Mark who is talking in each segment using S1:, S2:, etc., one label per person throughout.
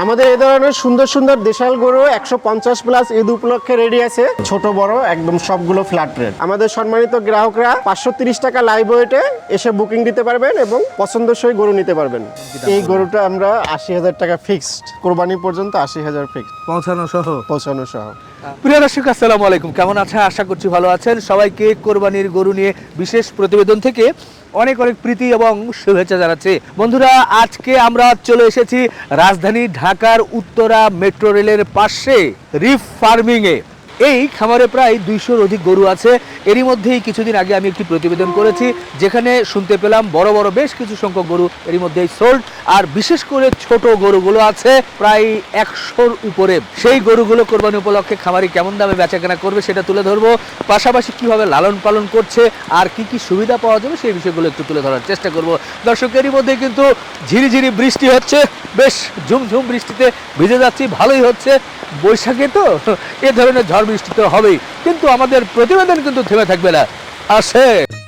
S1: আমাদের এই ধরনের সুন্দর সুন্দর দেশাল গরু 150+ ঈদ উপলক্ষে রেডি আছে, ছোট বড় একদম সবগুলো ফ্ল্যাট রেট। আমাদের সম্মানিত গ্রাহকরা 530 টাকা লাইভ ওয়েটে এসে বুকিং দিতে পারবেন এবং পছন্দসই গরু নিতে পারবেন। এই গরুটা আমরা 80,000 টাকা ফিক্সড, কোরবানি পর্যন্ত 80,000 ফিক্সড, পৌঁছানো সহ।
S2: প্রিয় দর্শক আসসালামু আলাইকুম, কেমন আছেন? আশা করছি ভালো আছেন। সবাইকে কোরবানির গরু নিয়ে বিশেষ প্রতিবেদন থেকে অনেক অনেক প্রীতি এবং শুভেচ্ছা জানাচ্ছি। বন্ধুরা, আজকে আমরা চলে এসেছি রাজধানী ঢাকার উত্তরা মেট্রো রেলের পাশে রিফ ফার্মিংয়ে। এই খামারে প্রায় 200-র অধিক গরু আছে। এরই মধ্যেই কিছুদিন আগে আমি একটি প্রতিবেদন করেছি, যেখানে শুনতে পেলাম বড় বড় বেশ কিছু সংখ্যক গরু এরই মধ্যেই সোল্ড, আর বিশেষ করে ছোট গরুগুলো আছে প্রায় 100-র উপরে। সেই গরুগুলো কোরবানি উপলক্ষে খামারি কেমন দামে বেচাকেনা করবে সেটা তুলে ধরবো, পাশাপাশি কিভাবে লালন পালন করছে আর কি কি সুবিধা পাওয়া যাবে সেই বিষয়গুলো একটু তুলে ধরার চেষ্টা করব। দর্শক, এরই মধ্যে কিন্তু ঝিরিঝিরি বৃষ্টি হচ্ছে, বেশ ঝুমঝুম বৃষ্টিতে ভিজে যাচ্ছি, ভালোই হচ্ছে। বৈশাখে তো এ ধরনের ঝড় বৃষ্টি তো হবেই, কিন্তু আমাদের প্রতিবেদন কিন্তু থেমে থাকবে না। আসে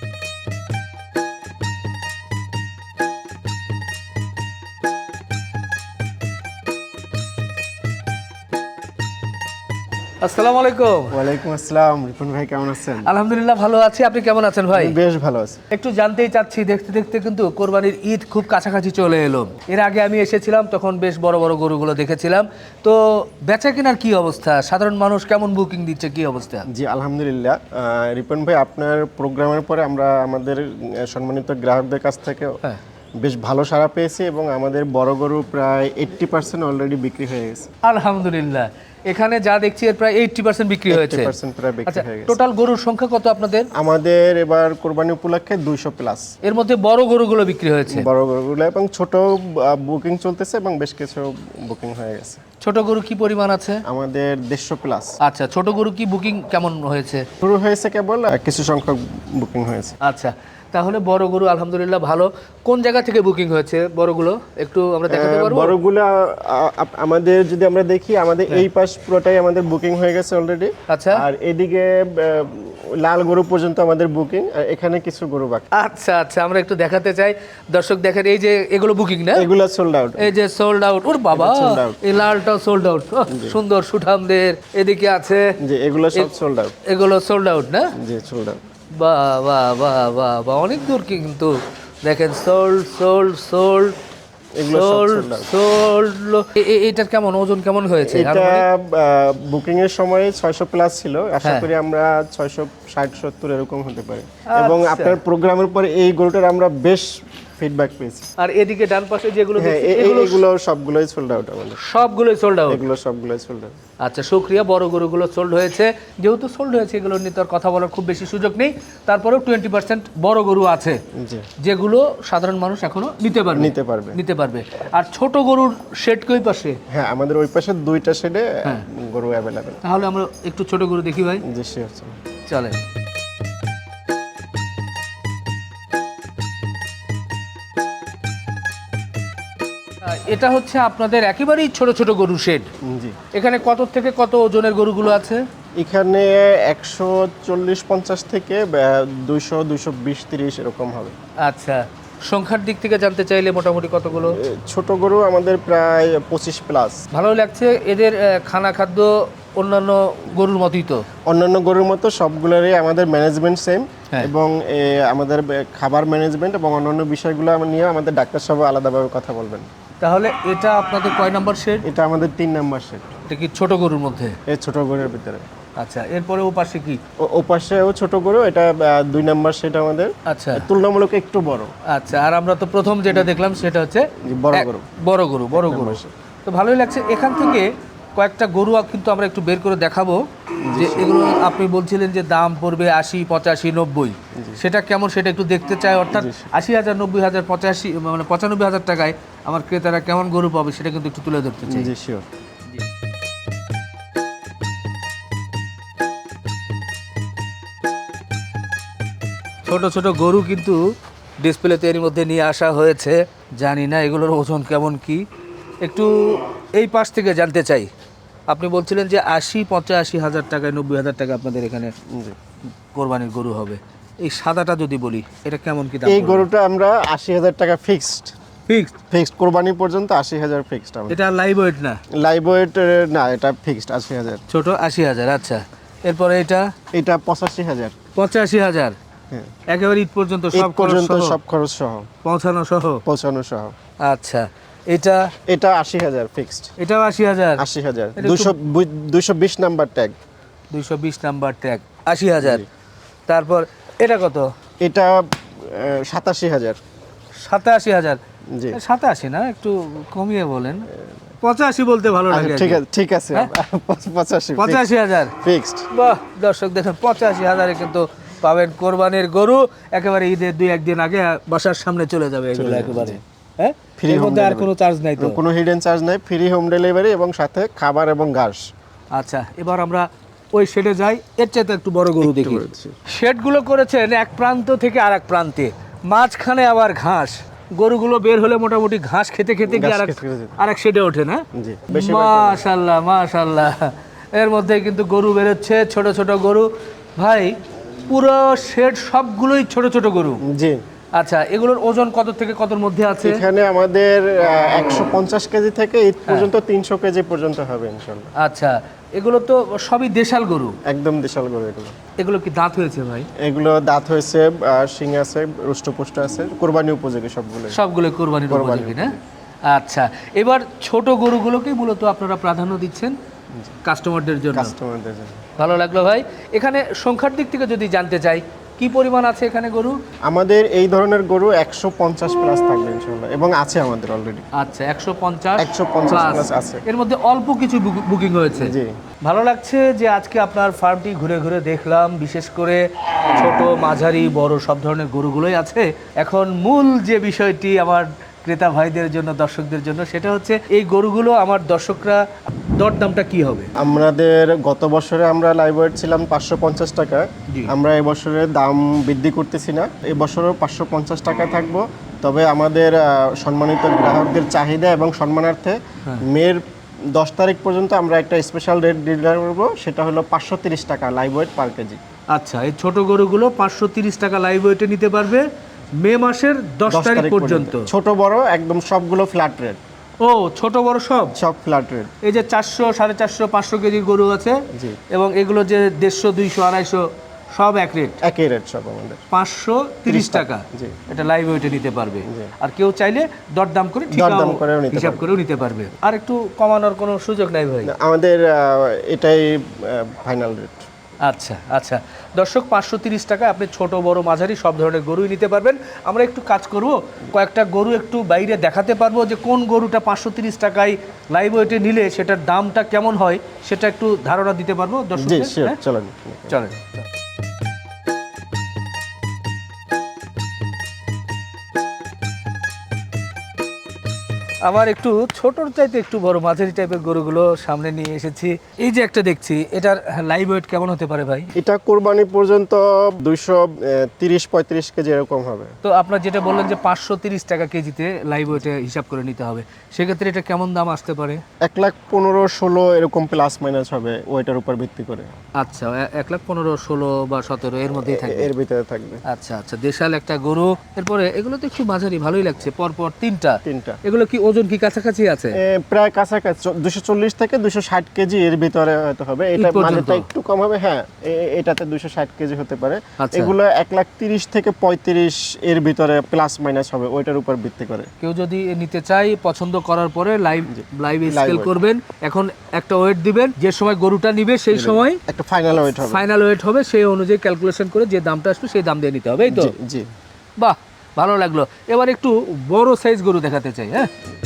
S2: আসসালামু আলাইকুম।
S1: ওয়ালাইকুম আসসালাম। রিপন ভাই কেমন আছেন?
S2: আলহামদুলিল্লাহ ভালো আছি, আপনি কেমন আছেন ভাই?
S1: বেশ ভালো আছি।
S2: একটু জানতেই চাচ্ছি, দেখতে দেখতে কিন্তু কোরবানির ঈদ খুব কাছাকাছি চলে এলো। এর আগে আমি এসেছিলাম, তখন বেশ বড় বড় গরুগুলো দেখেছিলাম। তো বেচা কেনার কি অবস্থা? সাধারণ মানুষ কেমন বুকিং দিচ্ছে, কি অবস্থা?
S1: জি আলহামদুলিল্লাহ। রিপন ভাই, আপনার প্রোগ্রামের পরে আমরা আমাদের সম্মানিত গ্রাহকদের কাছ থেকে বেশ ভালো সাড়া পেয়েছি এবং আমাদের বড় গরু প্রায় 80% অলরেডি বিক্রি হয়ে গেছে।
S2: আলহামদুলিল্লাহ। এখানে যা দেখছি এর প্রায় 80% বিক্রি হয়েছে।
S1: 80% প্রায় বিক্রি
S2: আচ্ছা,
S1: হয়ে গেছে।
S2: টোটাল গরুর সংখ্যা কত আপনাদের?
S1: আমাদের এবার কোরবানি উপলক্ষে 200+।
S2: এর মধ্যে বড় গরুগুলো বিক্রি হয়েছে,
S1: বড় গরুগুলো এবং ছোট বুকিং চলতেছে এবং বেশ কিছু বুকিং হয়ে গেছে।
S2: ছোট গরু কি পরিমাণ আছে?
S1: আমাদের 150+।
S2: আচ্ছা, ছোট গরু কি বুকিং কেমন হয়েছে?
S1: শুরু হয়েছে কেবল, কিছু সংখ্যক বুকিং হয়েছে।
S2: আচ্ছা, তাহলে বড় গরু আলহামদুলিল্লাহ ভালো। কোন জায়গা থেকে বুকিং হয়েছে বড়গুলো একটু আমরা দেখাতে পারবো?
S1: বড়গুলো আমাদের যদি আমরা দেখি, আমাদের এই পাশ পুরোটাই আমাদের বুকিং হয়ে গেছে অলরেডি।
S2: আচ্ছা,
S1: আর এদিকে লাল গরু পর্যন্ত আমাদের বুকিং, আর এখানে কিছু গরু বাকি।
S2: আচ্ছা আচ্ছা, আমরা একটু দেখাতে চাই। দর্শক দেখেন, এই যে এগুলো বুকিং না,
S1: এগুলো সোল্ড আউট।
S2: এই যে সোল্ড আউট। ওর বাবা, এই লালটাও সোল্ড আউট। সুন্দর সুঠামদের এদিকে আছে,
S1: জি এগুলো সব সোল্ড আউট।
S2: এগুলো সোল্ড আউট না?
S1: জি সোল্ড আউট।
S2: বাহ বাহ বাহ বাহ বাহ, অনেক দূর কিন্তু দেখেন, সোল্ড সোল্ড সোল্ড এটার কেমন ওজন কেমন হয়েছে?
S1: এটা বুকিং এর সময় 600+ ছিল, আশা করি আমরা 660-70 এরকম হতে পারে। এবং আপনার প্রোগ্রামের পরে এই গরুটার আমরা বেশ ফিডব্যাক পেয়েছি।
S2: আর এদিকে ডান পাশে যেগুলো
S1: এগুলো সবগুলোই সোল্ড আউট আমাদের।
S2: সবগুলোই সোল্ড আউট?
S1: এগুলো সবগুলোই সোল্ড আউট।
S2: আচ্ছা, শুকরিয়া। বড় গরুগুলো সোল্ড হয়েছে। যেহেতু সোল্ড হয়েছে, এগুলো নিয়ে তো আর কথা বলার খুব বেশি সুযোগ নেই। তারপরেও 20% বড় গরু আছে যেগুলো সাধারণ মানুষ এখনো নিতে পারবে। আর ছোট গরুর শেড কই পাশে?
S1: হ্যাঁ, আমাদের ওই পাশে দুইটা শেডে গরু অ্যাভেলেবেল।
S2: তাহলে আমরা একটু ছোট গরু দেখি ভাই।
S1: জি শিওর,
S2: চলে। এটা হচ্ছে আপনাদের একেবারেই ছোট ছোট গরু শেড।
S1: জি।
S2: এখানে কত থেকে কত ওজনের গরুগুলো আছে?
S1: এখানে 140-50 থেকে 200-220-30 এরকম হবে।
S2: আচ্ছা, সংখ্যার দিক থেকে জানতে চাইলে মোটামুটি কতগুলো?
S1: ছোট গরু আমাদের প্রায় 25+।
S2: ভালো লাগছে। এদের খানা খাদ্য অন্যান্য গরুর মতোই তো?
S1: অন্যান্য গরুর মতো সবগুলোরই আমাদের ম্যানেজমেন্ট সেম, এবং আমাদের খাবার ম্যানেজমেন্ট এবং অন্যান্য বিষয়গুলো নিয়ে আমাদের ডাক্তার সব আলাদাভাবে কথা বলবেন।
S2: তাহলে এটা আপনাদের কয় নাম্বার শেড?
S1: এটা আমাদের 3 নাম্বার শেড।
S2: এটা কি ছোট গরুর মধ্যে?
S1: এই ছোট গরুর ভিতরে।
S2: আচ্ছা, এরপরে ও পাশে কি?
S1: ও পাশেও ছোট গরু, এটা 2 নাম্বার শেড আমাদের।
S2: আচ্ছা,
S1: তুলনামূলক একটু বড়।
S2: আচ্ছা, আর আমরা তো প্রথম যেটা দেখলাম সেটা হচ্ছে বড় গরু। তো ভালোই লাগছে। এখান থেকে কয়েকটা গরু কিন্তু আমরা একটু বের করে দেখাবো, যে এগুলো আপনি বলছিলেন যে দাম পড়বে 80, 85, 90, সেটা কেমন সেটা একটু দেখতে চাই। অর্থাৎ 80,000, 90,000, 85 মানে 95,000 টাকায় আমার ক্রেতারা কেমন গরু পাবে সেটা কিন্তু একটু তুলে ধরতে চাই।
S1: জি শিওর।
S2: ছোট ছোট গরু কিন্তু ডিসপ্লেতে এর মধ্যে নিয়ে আসা হয়েছে। জানি না এগুলোর ওজন কেমন কি, একটু এই পাশ থেকে জানতে চাই। আপনি বলছিলেন যে 80-85,000 টাকায়, 90,000 টাকা আপনাদের এখানে কোরবানির গরু হবে। এই সাদাটা যদি বলি, এটা কেমন কি দাম?
S1: এই গরুটা আমরা 80,000 টাকা ফিক্সড
S2: ফিক্সড?
S1: ফিক্সড কোরবানি পর্যন্ত 80,000 ফিক্সড।
S2: এটা লাইভ ওয়েট না?
S1: লাইভ ওয়েট না, এটা ফিক্সড 80,000।
S2: ছোট 80,000। আচ্ছা, এরপরে এটা?
S1: এটা 85,000।
S2: 85,000?
S1: হ্যাঁ,
S2: একেবারে ঈদ পর্যন্ত
S1: ঈদ
S2: সব
S1: পর্যন্ত
S2: খরচ সহ?
S1: সব খরচ সহ,
S2: পৌঁছানো সহ?
S1: পৌঁছানো সহ।
S2: আচ্ছা, এটা?
S1: এটা 80,000 ফিক্সড।
S2: এটাও 80,000?
S1: 80,000,
S2: এটা একটু-
S1: 220 নাম্বার ট্যাগ।
S2: 220 number tag, 80,000। তারপর এটা কত?
S1: এটা 87,000।
S2: 87,000?
S1: জি
S2: 87 না, একটু কমিয়ে বলেন। 85 বলতে ভালো লাগে।
S1: ঠিক আছে, ঠিক আছে।
S2: হ্যাঁ?
S1: 85
S2: 85,000?
S1: ফিক্সড।
S2: বাহ, দর্শক দেখেন 85,000-এ কিন্তু পাবেন কোরবানির গরু। একেবারে ঈদের 2-1 দিন আগে বাসার সামনে চলে যাবে এগুলো একেবারে। হ্যাঁ,
S1: Free
S2: এর
S1: home
S2: মধ্যে আর
S1: delivery।
S2: কোনো চার্জ নাই তো?
S1: কোনো হিডেন চার্জ নাই, ফ্রি হোম ডেলিভারি এবং সাথে খাবার এবং ঘাস।
S2: আচ্ছা, এবার আমরা ওই শেডে যাই, এর চাইতে একটু বড় গরু দেখি।
S1: বলছি।
S2: শেডগুলো করেছেন এক প্রান্ত থেকে আর এক প্রান্তে, মাঝখানে আবার ঘাস। গরুগুলো বের হলে মোটামুটি ঘাস খেতে খেতে কি
S1: ঘাস খেতে খেতে।
S2: আর এক শেডে ওঠে না?
S1: জি, বেশিরভাগ
S2: মাশাআল্লাহ মাশাআল্লাহ। এর মধ্যে কিন্তু গরু বেরোচ্ছে, ছোট ছোট গরু। ভাই, পুরো শেড সবগুলোই ছোট ছোট গরু।
S1: জি,
S2: আচ্ছা, এগুলোর ওজন কত থেকে কতর মধ্যে আছে?
S1: এখানে আমাদের 150 কেজি থেকে ঈদ পর্যন্ত 300 কেজি পর্যন্ত হবে ইনশাল্লাহ।
S2: আচ্ছা, এগুলো তো সবই দেশাল গরু।
S1: একদম বিশাল গরু এগুলো।
S2: এগুলো কি দাঁত হয়েছে ভাই?
S1: এগুলো দাঁত হয়েছে, শিং আছে, রুষ্টপুষ্ট আছে, কোরবানি উপযোগী সবগুলো।
S2: সবগুলো কোরবানির উপযোগী না? আচ্ছা, এবার ছোট গরুগুলোকেই মূলত আপনারা প্রাধান্য দিচ্ছেন কাস্টমারদের জন্য।
S1: কাস্টমারদের জন্য
S2: ভালো লাগলো ভাই। এখানে সংখ্যার দিক থেকে যদি জানতে চাই, কি পরিমাণ আছে এখানে গরু?
S1: আমাদের এই ধরনের গরু 150 প্লাস থাকবে ইনশাল্লাহ, এবং আছে আমাদের অলরেডি।
S2: আচ্ছা, 150
S1: 150
S2: প্লাস।
S1: প্লাস আছে।
S2: এর মধ্যে অল্প কিছু বুকিং হয়েছে।
S1: জি,
S2: ভালো লাগছে যে আজকে আপনার ফার্মটি ঘুরে ঘুরে দেখলাম, বিশেষ করে ছোট মাঝারি বড় সব ধরনের গরুগুলোই আছে। এখন মূল যে বিষয়টি আমার ক্রেতা ভাইদের জন্য, দর্শকদের জন্য, সেটা হচ্ছে এই গরুগুলো আমার দর্শকরা দরদামটা কি হবে?
S1: আমাদের গত বছরে আমরা লাইভ ওয়েট ছিলাম 550 টাকা।
S2: জি।
S1: আমরা এই বছরে দাম বৃদ্ধি করতেছি না, এই বছরও 550 টাকা থাকবো। তবে আমাদের সম্মানিত গ্রাহকদের চাহিদা এবং সম্মানার্থে মের 10 তারিখ পর্যন্ত আমরা একটা স্পেশাল রেট ডিলার করবো, সেটা হলো 530 টাকা লাইভ ওয়েট পার কেজি।
S2: আচ্ছা, এই ছোট গরুগুলো 530 টাকা লাইভ ওয়েটে নিতে পারবে মে মাসের 10 তারিখ পর্যন্ত।
S1: ছোট বড় একদম সবগুলো ফ্ল্যাট রেট।
S2: ও, ছোট বড় সব?
S1: সব ফ্ল্যাট রেট।
S2: এই যে 400, 450, 500 কেজির গরু আছে,
S1: জি।
S2: এবং এগুলো যে 150, 200, 250 সব এক রেট,
S1: একই রেট সব আমাদের।
S2: 530 টাকা।
S1: জি।
S2: এটা লাইভ ওয়েটে নিতে পারবে।
S1: জি।
S2: আর কেউ চাইলে দরদাম করে
S1: দরদাম করেও নিতে
S2: হিসাব করেও নিতে পারবে। আর একটু কমানোর কোনো সুযোগ নাই ভাই?
S1: আমাদের এটাই ফাইনাল রেট।
S2: আচ্ছা আচ্ছা, দর্শক 530 টাকা আপনি ছোট বড় মাঝারি সব ধরনের গরুই নিতে পারবেন। আমরা একটু কাজ করব, কয়েকটা গরু একটু বাইরে দেখাতে পারবো, যে কোন গরুটা 530 টাকায় লাইভ ওয়েটে নিলে সেটার দামটা কেমন হয়, সেটা একটু ধারণা দিতে পারবো
S1: জি,
S2: দর্শকদের।
S1: শিওর,
S2: হ্যাঁ?
S1: চলেন।
S2: চলেন। আবার একটু ছোটর চাইতে একটু বড় মাঝারি টাইপের গরুগুলো সামনে নিয়ে এসেছি। এই যে একটা দেখছি, এটার লাইভ ওয়েট কেমন হতে পারে ভাই?
S1: এটা কোরবানি পর্যন্ত 230-35 কেজি এরকম হবে।
S2: তো আপনার যেটা বললেন যে 530 টাকা কেজিতে লাইভ ওয়েটে হিসাব করে নিতে হবে, সেক্ষেত্রে এটা কেমন দাম আসতে পারে?
S1: 1,15,16 এরকম প্লাস মাইনাস হবে ওইটার উপর ভিত্তি করে।
S2: আচ্ছা, 1,15,000, 16 বা 17 এর মধ্যেই থাকবে।
S1: এর ভিতরে থাকবে।
S2: আচ্ছা আচ্ছা, দেশাল একটা গরু। এরপরে এগুলো তো একটু মাঝারি ভালোই লাগছে, পরপর তিনটা। এগুলো কি ওজন কি কাছাকাছি আছে?
S1: প্রায় কাছাকাছি 240 থেকে 260 কেজি এর ভিতরে হয়তো হবে। এটা মাঝেটা একটু কম হবে, হ্যাঁ, এটাতে 260 কেজি হতে পারে।
S2: আচ্ছা।
S1: এগুলো 1,30,000 থেকে 35 এর ভিতরে প্লাস মাইনাস হবে ওইটার উপর ভিত্তি করে।
S2: কেউ যদি নিতে চাই, পছন্দ করার পরে লাইভ স্কেল
S1: weight।
S2: করবেন, এখন একটা ওয়েট দিবেন, যে সময় গরুটা নিবে সেই সময়
S1: একটা ফাইনাল ওয়েট হবে।
S2: ফাইনাল ওয়েট হবে, সেই অনুযায়ী ক্যালকুলেশন করে যে দামটা আসবে সেই দাম দিয়ে নিতে হবে, এই তো?
S1: জি, জি।
S2: বাহ, ভালো লাগলো। এবার একটু বড় সাইজ গরু দেখাতে চাই। হ্যাঁ,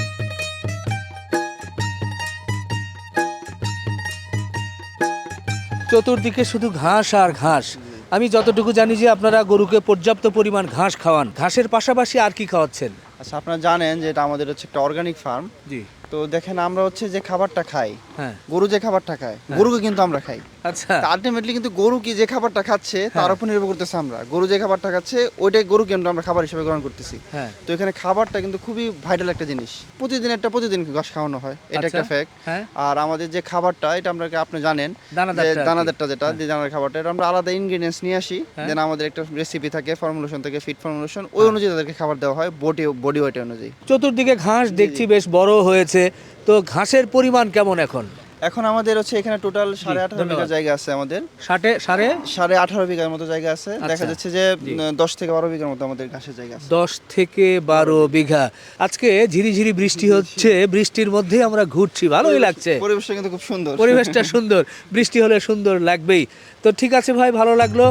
S2: চতুর্দিকে শুধু ঘাস আর ঘাস। আমি যতটুকু জানি যে আপনারা গরুকে পর্যাপ্ত পরিমাণ ঘাস খাওয়ান, ঘাসের পাশাপাশি আর কি খাওয়াচ্ছেন?
S3: আচ্ছা, আপনারা জানেন যে এটা আমাদের হচ্ছে একটা অর্গানিক ফার্ম।
S2: জি।
S3: তো তো দেখেন আমরা হচ্ছে যে খাবারটা খাই,
S2: হ্যাঁ
S3: গরু যে খাবারটা খায়, গরুকে কিন্তু আমরা খাই।
S2: আচ্ছা
S3: আলটিমেটলি কিন্তু গরু কি যে খাবারটা খাচ্ছে তার উপর নির্ভর করতেছে আমরা। গরু যে খাবারটা খাচ্ছে ওইটাই গরু কিন্তু আমরা খাবার হিসেবে গ্রহণ করতেছি।
S2: হ্যাঁ
S3: তো এখানে খাবারটা কিন্তু খুবই ভাইটাল একটা জিনিস। প্রতিদিন ঘাস খাওয়ানো হয়, এটা একটা
S2: আচ্ছা,
S3: ফ্যাক্ট।
S2: হ্যাঁ
S3: আর আমাদের যে খাবারটা এটা আমরা আপনি জানেন
S2: দানাদারটা আর কি।
S3: দানাদারটা যেটা যে দানার খাবারটা এটা আমরা আলাদা ইনগ্রেডিয়েন্টস নিয়ে আসি,
S2: হ্যাঁ।
S3: দেন আমাদের একটা রেসিপি থাকে, ফর্মুলেশন থাকে, ফিট ফর্মুলেশন, ওই অনুযায়ী তাদেরকে খাবার দেওয়া হয় বডি ওয়েট অনুযায়ী।
S2: চতুর্দিকে ঘাস দেখছি বেশ বড় হয়েছে, তো ঘাসের পরিমাণ কেমন এখন?
S3: এখন আমাদের হচ্ছে এখানে টোটাল 18.5 বিঘা
S2: ধন্যবাদ।
S3: জায়গা আছে আমাদের।
S2: সাড়ে
S3: 18.5 বিঘার মতো জায়গা আছে। দেখা
S2: আচ্ছা।
S3: যাচ্ছে যে 10 থেকে 12 বিঘার মতো আমাদের ঘাসের জায়গা আছে।
S2: 10 থেকে 12 বিঘা। আজকে ঝিরিঝিরি বৃষ্টি হচ্ছে, বৃষ্টির মধ্যে আমরা ঘুরছি, ভালোই লাগছে।
S3: পরিবেশটা কিন্তু খুব সুন্দর।
S2: পরিবেশটা সুন্দর, বৃষ্টি হলে সুন্দর লাগবেই। তো ঠিক আছে ভাই, ভালো লাগলো।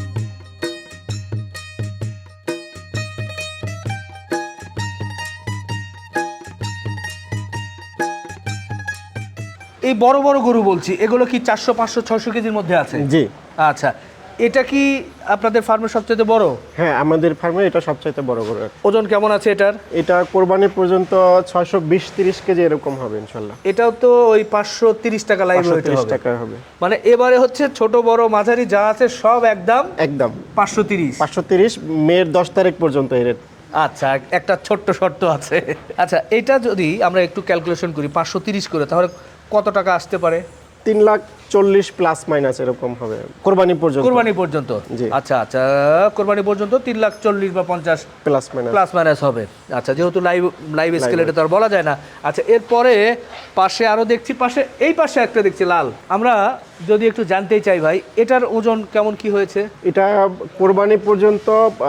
S2: এই বড় বড় গরু বলছি, এগুলো কি 400 500 600 কেজির মধ্যে আছে?
S1: জি।
S2: আচ্ছা, এটা কি আপনাদের ফার্মের সবচেয়ে বড়?
S1: হ্যাঁ, আমাদের ফার্মে এটা সবচাইতে বড় গরু।
S2: ওজন কেমন আছে এটার?
S1: এটা কোরবানি পর্যন্ত 620-30 কেজি এরকম হবে ইনশাল্লাহ।
S2: এটাও তো ওই 530 টাকা লাইভ ওয়েট
S1: 530
S2: হবে।
S1: টাকা হবে।
S2: মানে এবারে হচ্ছে ছোট বড় মাঝারি যা আছে সব একদম
S1: একদম
S2: 530।
S1: 530 মের 10 তারিখ পর্যন্ত এর রেট।
S2: আচ্ছা, একটা ছোট্ট শর্ত আছে। আচ্ছা, এটা যদি আমরা একটু ক্যালকুলেশন করি 530 করে, তাহলে কত টাকা আসতে পারে?
S1: 340 প্লাস মাইনাস এরকম হবে কোরবানি পর্যন্ত।
S2: কোরবানি পর্যন্ত?
S1: জি।
S2: আচ্ছা আচ্ছা, কোরবানি পর্যন্ত 340 বা 50
S1: প্লাস মাইনাস।
S2: প্লাস মাইনাস হবে। আচ্ছা, যেহেতু লাইভ স্কেল এটা তো আর বলা যায় না। আচ্ছা, এরপরে পাশে আরো দেখছি, এই পাশে একটা দেখছি লাল। আমরা যদি একটু জানতেই চাই ভাই, এটার ওজন কেমন কি হয়েছে?
S1: এটা কোরবানি পর্যন্ত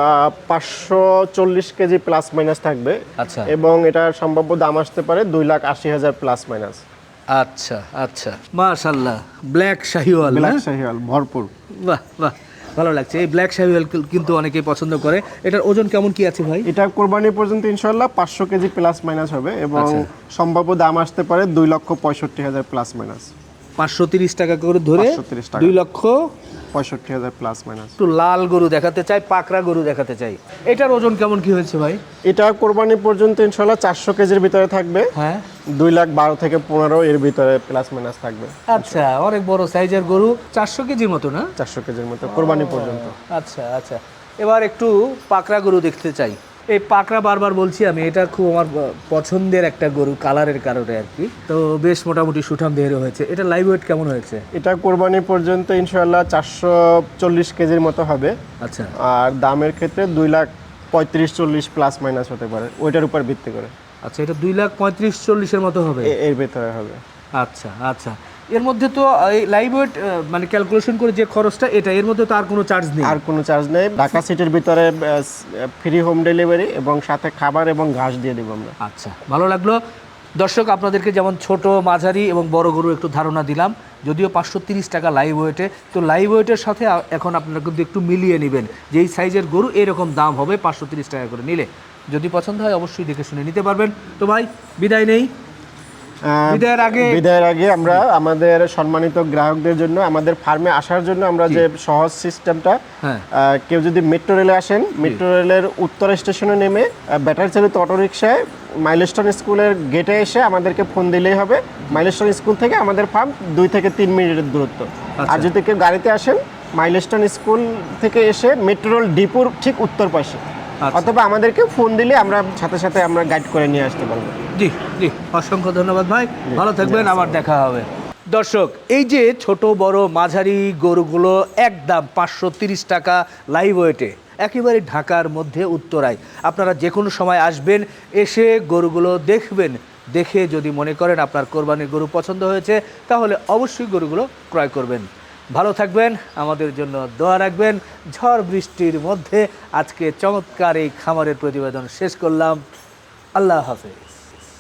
S1: 540 কেজি প্লাস মাইনাস থাকবে।
S2: আচ্ছা
S1: এবং এটার সম্ভাব্য দাম আসতে পারে 2,80,000 প্লাস মাইনাস।
S2: আচ্ছা আচ্ছা, মাশাআল্লাহ, ব্ল্যাক শাহিওয়াল।
S1: ব্ল্যাক শাহিওয়াল ভরপুর।
S2: বাহ বাহ, ভালো লাগছে। এই ব্ল্যাক শাহিওয়াল কিন্তু অনেকেই পছন্দ করে। এটার ওজন কেমন কি আছে ভাই?
S1: এটা কোরবানি পর্যন্ত ইনশাল্লাহ 500 কেজি প্লাস মাইনাস হবে এবং
S2: আচ্ছা।
S1: সম্ভাব্য দাম আসতে পারে 2,65,000 প্লাস মাইনাস।
S2: 530 টাকা করে ধরে
S1: 530 টাকা।
S2: 2,65,000
S1: প্লাস মাইনাস।
S2: একটু লাল গরু দেখাতে চাই, পাকড়া গরু দেখাতে চাই। এটার ওজন কেমন কি হয়েছে ভাই?
S1: এটা কোরবানি পর্যন্ত ইনশাল্লাহ 400 কেজির ভিতরে থাকবে।
S2: হ্যাঁ,
S1: 2,12,000 থেকে 15 এর ভিতরে প্লাস মাইনাস থাকবে।
S2: আচ্ছা, অনেক বড় সাইজের গরু, 400 কেজির মতো না?
S1: 400 কেজির মতো কোরবানি পর্যন্ত।
S2: আচ্ছা আচ্ছা, এবার একটু পাকড়া গরু দেখতে চাই। এই পাকড়া বারবার বলছি আমি, এটা খুব আমার পছন্দের একটা গরু, কালারের কারণে আর কি। তো বেশ মোটামুটি সুঠাম দেহের হয়েছে। এটা লাইভ ওয়েট কেমন হয়েছে?
S1: এটা কোরবানি পর্যন্ত ইনশাল্লাহ 440 কেজির মতো হবে।
S2: আচ্ছা
S1: আর দামের ক্ষেত্রে 2,35,40 প্লাস মাইনাস হতে পারে, ওইটার উপর ভিত্তি করে।
S2: আচ্ছা, এটা 2,35,40-এর মতো হবে।
S1: এর ভিতরে হবে।
S2: আচ্ছা আচ্ছা, এর মধ্যে তো এই লাইভ ওয়েট মানে ক্যালকুলেশন করে যে খরচটা, এটা এর মধ্যে তো আর কোনো চার্জ নেই?
S1: আর কোনো চার্জ নেই। ঢাকা সিটির ভিতরে ফ্রি হোম ডেলিভারি এবং সাথে খাবার এবং ঘাস দিয়ে দেবো আমরা।
S2: আচ্ছা, ভালো লাগলো। দর্শক, আপনাদেরকে যেমন ছোট মাঝারি এবং বড় গরু একটু ধারণা দিলাম, যদিও 530 টাকা লাইভ ওয়েটে। তো লাইভ ওয়েটের সাথে এখন আপনারা কিন্তু একটু মিলিয়ে নেবেন, যে এই সাইজের গরু এরকম দাম হবে 530 টাকা করে নিলে। যদি পছন্দ হয় অবশ্যই দেখে শুনে নিতে পারবেন। তো ভাই, বিদায় নেই। বিদায়ের আগে
S1: আমরা আমাদের সম্মানিত গ্রাহকদের জন্য, আমাদের ফার্মে আসার জন্য আমরা যে সহজ সিস্টেমটা, কেউ যদি মেট্রো রেলে আসেন, মেট্রো রেলের উত্তর স্টেশনে নেমে ব্যাটারি চালিত অটোরিকশায় মাইলস্টোন স্কুলের গেটে এসে আমাদেরকে ফোন দিলেই হবে। মাইলস্টোন স্কুল থেকে আমাদের ফার্ম 2 থেকে 3 মিনিটের দূরত্ব। আর যদি কেউ গাড়িতে আসেন, মাইলস্টোন স্কুল থেকে এসে মেট্রো রেল ডিপোর ঠিক উত্তর পাশে, অথবা আমাদেরকে ফোন দিলে আমরা সাথে সাথে আমরা গাইড করে নিয়ে আসতে পারবো।
S2: জি জি, অসংখ্য ধন্যবাদ ভাই, ভালো থাকবেন, আবার দেখা হবে। দর্শক, এই যে ছোট বড় মাঝারি গরুগুলো একদম 530 টাকা লাইভ ওয়েটে, একেবারে ঢাকার মধ্যে উত্তরায়। আপনারা যে কোনো সময় আসবেন, এসে গরুগুলো দেখবেন, দেখে যদি মনে করেন আপনার কোরবানির গরু পছন্দ হয়েছে, তাহলে অবশ্যই গরুগুলো ক্রয় করবেন। ভালো থাকবেন, আমাদের জন্য দোয়া রাখবেন। ঝড় বৃষ্টির মধ্যে আজকে চমৎকার এই খামারের প্রতিবেদন শেষ করলাম। আল্লাহ হাফেজ।